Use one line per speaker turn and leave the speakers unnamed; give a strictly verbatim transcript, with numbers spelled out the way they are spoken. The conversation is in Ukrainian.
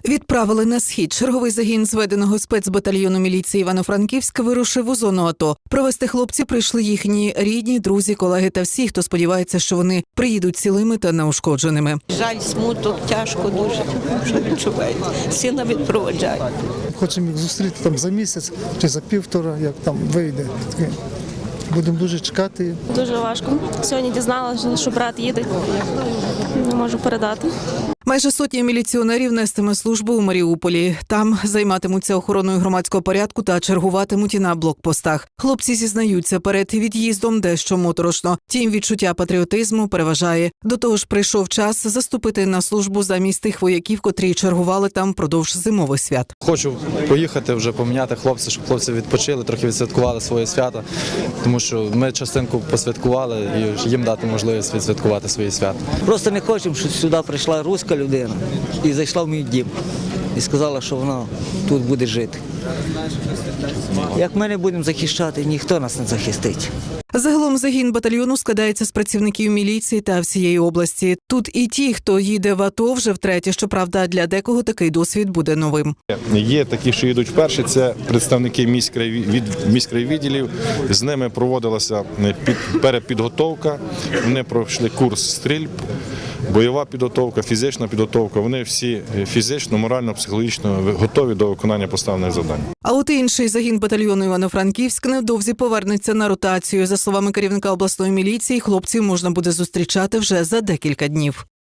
Відправили на схід. Черговий загін зведеного спецбатальйону міліції Івано-Франківська вирушив у зону АТО. Провести хлопці прийшли їхні рідні, друзі, колеги та всі, хто сподівається, що вони приїдуть цілими та неушкодженими.
Жаль, смуток, тяжко дуже, що відчувають. Сина відпроваджають.
Хочемо їх зустріти там за місяць чи за півтора, як там вийде. Будемо дуже чекати.
Дуже важко. Сьогодні дізналася, що брат їде. Не можу передати.
Майже сотня міліціонерів нестиме службу у Маріуполі. Там займатимуться охороною громадського порядку та чергуватимуть і на блокпостах. Хлопці зізнаються, перед від'їздом дещо моторошно. Тім відчуття патріотизму переважає. До того ж, прийшов час заступити на службу замість тих вояків, котрі чергували там впродовж зимових свят.
Хочу поїхати вже поміняти хлопців, щоб хлопці відпочили, трохи відсвяткували своє свято. Тому що ми частинку посвяткували і їм дати можливість відсвяткувати свої свята.
Просто не хочемо, щоб сюди прийшла руська людина і зайшла в мій дім. І сказала, що вона тут буде жити. Як ми не будемо захищати, ніхто нас не захистить.
Загалом загін батальйону складається з працівників міліції та всієї області. Тут і ті, хто їде в АТО вже втретє, щоправда, для декого такий досвід буде новим.
Є такі, що йдуть вперше, це представники міськрайвідділів. З ними проводилася перепідготовка, вони пройшли курс стрільб, бойова підготовка, фізична підготовка. Вони всі фізично, морально, психологічно готові до виконання поставлених завдань.
А от інший загін батальйону Івано-Франківськ невдовзі повернеться на ротацію. За словами керівника обласної міліції, хлопців можна буде зустрічати вже за декілька днів.